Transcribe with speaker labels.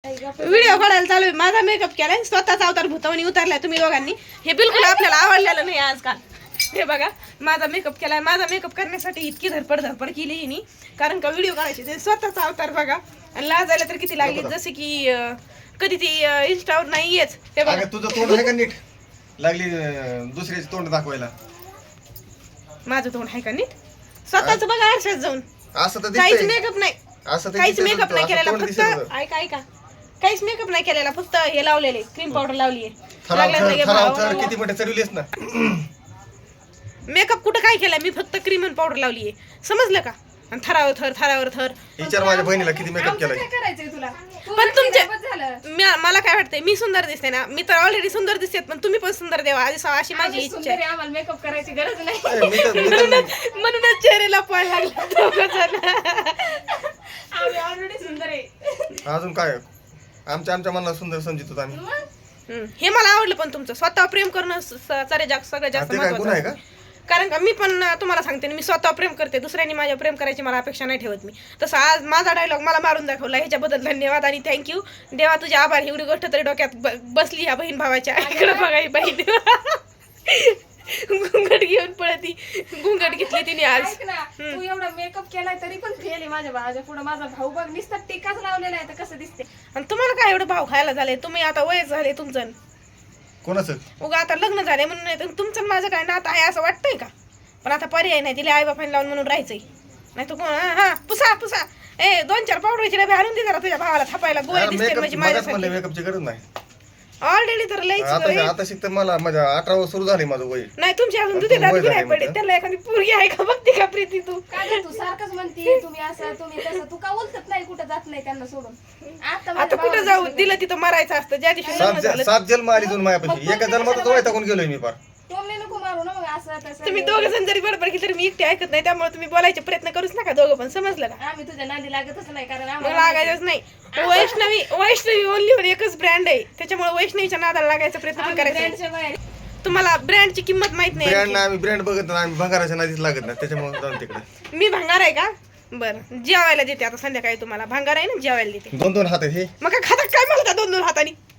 Speaker 1: Video काढायला चालू आहे. माझा मेकअप केलाय, स्वतःचा अवतार भूतावणी उतरलाय तुम्ही दोघांनी. हे बिलकुल आपल्याला आवडलेलं नाही आजकाल. हे बघा, माझा मेकअप केलाय. माझा मेकअप करण्यासाठी इतकी धडपड केली हिनी, कारण का व्हिडिओ काढायचे ते स्वतःचा अवतार बघा. आणि लाजायला तर किती लागली, जसे की कधी ती इंस्टावर नाही येत. हे बघा,
Speaker 2: तुझं तोंड आहे का नीट लागली दुसऱ्याचे तोंड दाखवायला.
Speaker 1: माझं तोंड आहे का नीट? स्वतःच बघा आरशात जाऊन.
Speaker 2: असं तर
Speaker 1: काहीच मेकअप नाही,
Speaker 2: असं
Speaker 1: काहीच मेकअप नाही केलेला. फक्त ऐका काहीच मेकअप नाही केलेला, फक्त हे लावलेले क्रीम पावडर लावली आहे.
Speaker 2: किती मोठे चढवलीस ना.
Speaker 1: मेकअप कुठं काय केलाय मी? फक्त क्रीम आणि पावडर लावली आहे, समजलं का? आणि थरावर थर.
Speaker 2: विचार माझ्या बहिणीला किती मेकअप केलाय.
Speaker 1: पण तुमच्या मला काय वाटतंय, मी सुंदर दिसते ना? मी तर ऑलरेडी सुंदर दिसते, पण तुम्ही पण सुंदर देवा अशी माझी इच्छा आहे.
Speaker 3: आम्हाला मेकअप करायची गरज नाही.
Speaker 1: म्हणूनच चेहऱ्याला पळ लागला.
Speaker 3: आम्ही ऑलरेडी सुंदर आहे.
Speaker 2: अजून काय आमच्या मनाला सुंदर समजत आम्ही.
Speaker 1: हे मला आवडलं. पण तुमचं स्वतः प्रेम करणं सगळ्यात जास्त महत्त्वाचं
Speaker 2: आहे का?
Speaker 1: कारण का मी पण तुम्हाला सांगते ना, मी स्वतः प्रेम करते. दुसऱ्यांनी माझ्या प्रेम करायची मला अपेक्षा नाही ठेवत मी. तसं आज माझा डायलॉग मला मारून दाखवला, ह्याच्याबद्दल धन्यवाद आणि थँक्यू. देवा तुझे आभार. एवढी गोष्ट तरी डोक्यात बसली ह्या बहीण भावाच्या. इकडे बघा ही बहीण घुंगट घेऊन पळती. घुंगट घेतली तिने आज.
Speaker 3: तू एवढा मेकअप केलाय तरी पण फेल आहे माझ्या भावाच्या पुढे. माझा भाऊ बघ नुसता टीकाच लावलेला आहे, तर कसं दिसते.
Speaker 1: आणि तुम्हाला काय एवढं भाव खायला झालंय? तुम्ही आता वयच झाले तुमचं.
Speaker 2: कोणाचं
Speaker 1: उगा आता लग्न झाले म्हणून नाही, तुमचं माझं काय नातं आहे असं वाटतंय का? पण आता पर्याय नाही, तिला आई बापाने लावून म्हणून राहायचंय. नाही तर हा पुसा 2-4 पावडरची डबे आणून दे जरा तुझ्या भावाला थापायला. गोळ्या दिसते म्हणजे माझ्यासाठी.
Speaker 2: मेकअपची गरज नाही.
Speaker 1: ऑलरेडी तर लईच
Speaker 2: आता शिकत मला माझ्या 18 वर्ष सुरू झाले माझं वय.
Speaker 1: नाही. तुमची अजून दुधी दादी नाही पडे. त्याला एखादी पोरगी आहे का बघते का प्रीती? तू
Speaker 3: काय तू सारखंच म्हणते तुम्ही असं तुम्ही तसं. तू का उलटत नाही, कुठं जात नाही त्यांना सोडून.
Speaker 1: आता कुठं जाऊ? दिलं तिथं मरायचं असतं. ज्या दिवशी लग्न झालं
Speaker 2: 7 जन्म आली दोन माझ्यापाशी. एका जन्मातच वैतागून गेलोय मी फार.
Speaker 3: टोमले नको मारू ना मग असं तसं.
Speaker 1: तुम्ही दोघं जण जरी बरोबर केली तरी मी एकटी ऐकत नाही. त्यामुळे तुम्ही बोलायचे प्रयत्न करूच नका दोघं पण, समजलं का?
Speaker 3: आम्ही तुझ्या नादी लागतच नाही, कारण
Speaker 1: मग
Speaker 3: आम्हाला
Speaker 1: लागायचंच नाही. वैष्णवी ओनली एकच ब्रँड आहे, त्याच्यामुळे वैष्णवीच्या नादाला लागायचा प्रयत्न पण करायचा नाही.
Speaker 3: ब्रँडच्या बाहेर.
Speaker 1: तुम्हाला ब्रँडची किंमत माहित नाही.
Speaker 2: ब्रँड आम्ही ब्रँड बघत नाही, आम्ही भंगाराच्या नादीच लागत नाही. त्याच्यामुळे जाऊन तिकडे.
Speaker 1: मी भंगार आहे का? बरं, जेवायला देते आता संध्याकाळी तुम्हाला. भंगार आहे ना, जेवायला देते.
Speaker 2: 2-2 हात आहेत हे.
Speaker 1: मग काय खाता काय म्हणता 2-2 हातानी?